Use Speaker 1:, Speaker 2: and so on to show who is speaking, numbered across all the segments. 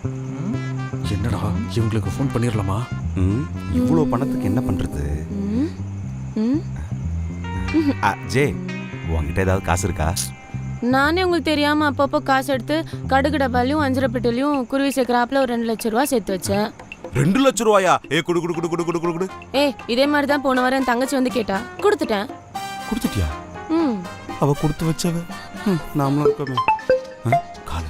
Speaker 1: என்னடா இவங்களுக்கு ஃபோன் பண்ணிடலாமா?
Speaker 2: இவ்வளோ பணத்துக்கு என்ன பண்ணுறது? ஜே, உங்ககிட்ட ஏதாவது காசு இருக்கா?
Speaker 3: நானே உங்களுக்கு தெரியாம அப்பப்போ காசு எடுத்து கடுகு டப்பாலையும் அஞ்சரை பெட்டிலையும் குருவி சேர்க்குறாப்புல ஒரு 2 லட்சம் ரூபா சேர்த்து வச்சேன்.
Speaker 2: 2 லட்சம் ரூபாயா? குடு குடு குடு குடு குடு குடு குடு.
Speaker 3: இதே மாதிரி தான் போன வாரம் என் தங்கச்சி வந்து கேட்டா, கொடுத்துட்டேன்.
Speaker 2: கொடுத்துட்டியா? அவ கொடுத்து வச்சவ நாமளும் இருக்கோமே. கால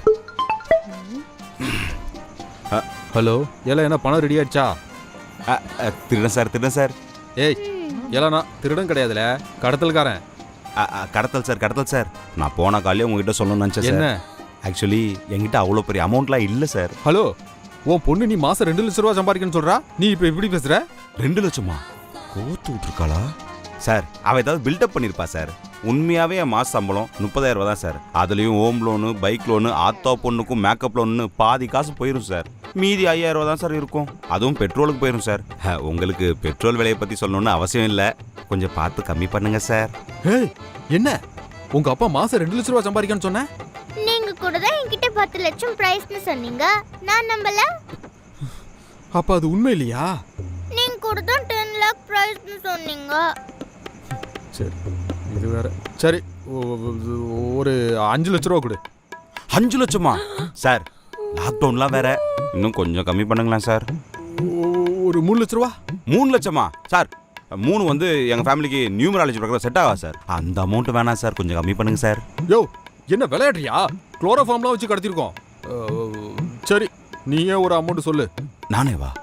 Speaker 1: ஹலோ, எல்லாம் என்ன பணம் ரெடி ஆயிடுச்சா?
Speaker 2: திருடன் சார்.
Speaker 1: ஏய், எல்லாம் நான் திருடன் கிடையாதுல, கடத்தல்காரன்.
Speaker 2: கடத்தல் சார். நான் போன காலையே உங்ககிட்ட சொல்லணும்னு நினச்சேன். என்ன? ஆக்சுவலி என்கிட்ட அவ்வளோ பெரிய அமௌண்ட்லாம் இல்லை சார்.
Speaker 1: ஹலோ, உன் பொண்ணு நீ மாசம் 2 லட்சம் ரூபா சம்பாதிக்கணும்னு சொல்றா, நீ இப்போ எப்படி பேசுற?
Speaker 2: 2 லட்சமா? கோத்து விட்டுருக்காளா சார்? அவ ஏதாவது பில்டப் பண்ணியிருப்பா சார். உண்மையாகவே என் மாச சம்பளம் 30,000 ரூபா தான் சார். அதுலேயும் ஹோம் லோனு, பைக் லோனு, ஆத்தோ பொண்ணுக்கும் மேக்கப் லோனு பாதி காசு போயிடும் சார். மீதி 5,000 ரூபா தான் சார் இருக்கும். அதுவும் பெட்ரோலுக்கு போயிடும் சார். உங்களுக்கு பெட்ரோல் விலையை பற்றி சொல்லணும்னு அவசியம் இல்லை. கொஞ்சம் பார்த்து கம்மி பண்ணுங்க சார்.
Speaker 1: என்ன உங்க அப்பா மாசம் 2 லட்சம் ரூபா சம்பாதிக்கணும்னு சொன்ன?
Speaker 4: நீங்க கூட தான் என்கிட்ட 10 லட்சம் பிரைஸ்னு சொன்னீங்க, நான் நம்பல.
Speaker 1: அப்ப அது உண்மை இல்லையா?
Speaker 4: நீங்க கூட தான் 10 lakh பிரைஸ்னு சொன்னீங்க.
Speaker 1: சரி, இது வேற. சரி, ஒரு 5 லட்சம் ரூபா கொடு.
Speaker 2: 5 லட்சமா சார்? லாக்டவுன்லாம் வேற. இன்னும் கொஞ்சம் கம்மி பண்ணுங்களேன் சார்.
Speaker 1: ஒரு 3 லட்சம் ரூபா.
Speaker 2: 3 லட்சமா சார்? 3 வந்து எங்கள் ஃபேமிலிக்கு நியூமராலஜி பிரகாரம் செட் ஆகா சார். அந்த அமௌண்ட் வேணாம் சார், கொஞ்சம் கம்மி பண்ணுங்க சார்.
Speaker 1: யோ, என்ன விளையாடுறியா? குளோரோஃபார்ம்லாம் வச்சு கடத்திருக்கோம். சரி, நீயே ஒரு அமௌண்ட் சொல்லு.
Speaker 2: நானே வா.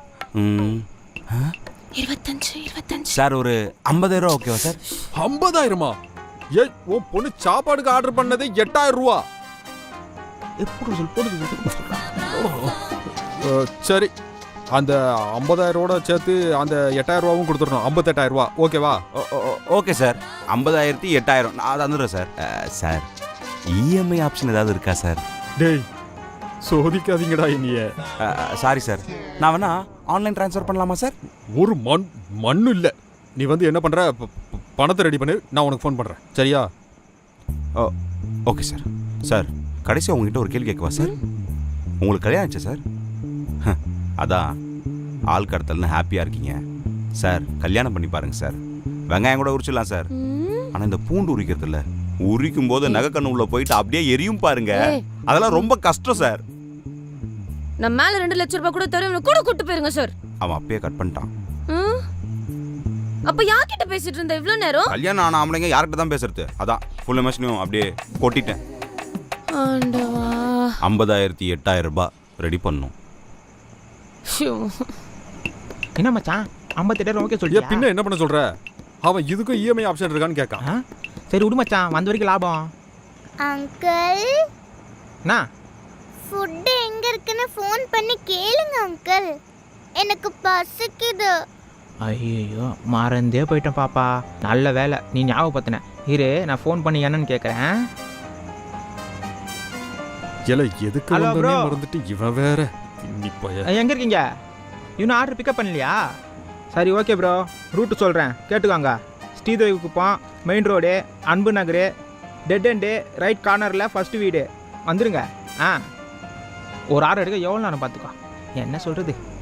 Speaker 3: 25
Speaker 2: சார், ஒரு 50,000 ரூபா ஓகேவா சார்?
Speaker 1: 50,000மா? ஏய், உன் பொண்ணு சாப்பாடுக்கு ஆர்டர் பண்ணதே 8,000 ரூபா. சரி, அந்த 50,000 சேர்த்து அந்த 8,000 ரூபாவும் கொடுத்துடணும். 58,000 ரூபா ஓகேவா?
Speaker 2: Okay sir. 50,000 8,000 நான் அதை வந்துடுறேன் சார். சார், இஎம்ஐ ஆப்ஷன் ஏதாவது இருக்கா சார்?
Speaker 1: டேய், சோதிக்காதீங்கடா என்னைய.
Speaker 2: சாரி சார், நான் வேணா ஆன்லைன் ட்ரான்ஸ்ஃபர் பண்ணலாமா சார்?
Speaker 1: ஒரு மண்ணு இல்லை. நீ வந்து என்ன பண்ணுற, பணத்தை ரெடி பண்ணு, நான் உனக்கு ஃபோன் பண்ணுறேன். சரியா?
Speaker 2: Okay sir. சார், கடைசியாக உங்ககிட்ட ஒரு கேள்வி கேட்கவா சார்? உங்களுக்கு கல்யாணம் ஆச்சா சார்? அதான் ஆள் கடத்தல்னு ஹாப்பியாக இருக்கீங்க சார். கல்யாணம் பண்ணி பாருங்க சார். வெங்காயம் கூட உரிச்சிடலாம் சார். ஆனால் இந்த பூண்டு உரிக்கிறது இல்லை, உரிக்கும் போது நகை கண்ணு உள்ள போயிட்டு அப்படியே எரியும் பாருங்க. அதெல்லாம் ரொம்ப கஷ்டம் சார்.
Speaker 3: நம்ம மேல 2 லட்சம் ரூபாய் கூட தருவேன், கூட கூட்டு போயிருங்க சார்.
Speaker 2: அவன் அப்பயே கட் பண்ணிட்டான்.
Speaker 3: அப்ப யார்கிட்ட பேசிட்டு இருந்த இவ்வளவு நேரம்?
Speaker 2: கல்யாணம் ஆன ஆம்பளைங்க யார்கிட்ட தான் பேசுறது? அதான் ஃபுல் எமோஷனையும் அப்படியே கொட்டிட்டேன். 50,000 8,000 ரூபாய் ரெடி பண்ணும்.
Speaker 5: என்ன மச்சான், 58,000 ஓகே சொல்லியா?
Speaker 1: பின்ன என்ன பண்ண சொல்ற? அவன் இதுக்கும் இஎம்ஐ ஆப்ஷன் இருக்கான்னு கேட்கான்.
Speaker 5: சரி விடு மச்சான், வந்த வரைக்கும் லாபம்.
Speaker 4: அங்கிள்,
Speaker 5: என்ன
Speaker 4: ஃபுட் எங்க இருக்குன்னு ஃபோன் பண்ணி கேளுங்க அங்கிள், எனக்கு பசிக்குது.
Speaker 5: ஐயோ, மறந்தே போயிட்டேன் பாப்பா. நல்ல வேலை நீ ஞாபகப்படுத்தின. இரு, நான் ஃபோன் பண்ணி என்னன்னு கேட்குறேன்.
Speaker 1: எதுக்கு வந்தோனே மறந்துட்டு இவன் வேற.
Speaker 5: எங்கே இருக்கீங்க? இன்னும் ஆர்டர் பிக்கப் பண்ணலையா? சரி ஓகே ப்ரோ, ரூட்டு சொல்கிறேன் கேட்டுக்கோங்க. ஸ்ரீதேவி குப்பம், main road, Anbu Nagar, dead end, right கார்னரில் ஃபஸ்ட்டு வீடு வந்துடுங்க. ஒரு ஆர்டர் எடுக்க எவ்வளோ நேரம் பார்த்துக்கோ. என்ன சொல்கிறது?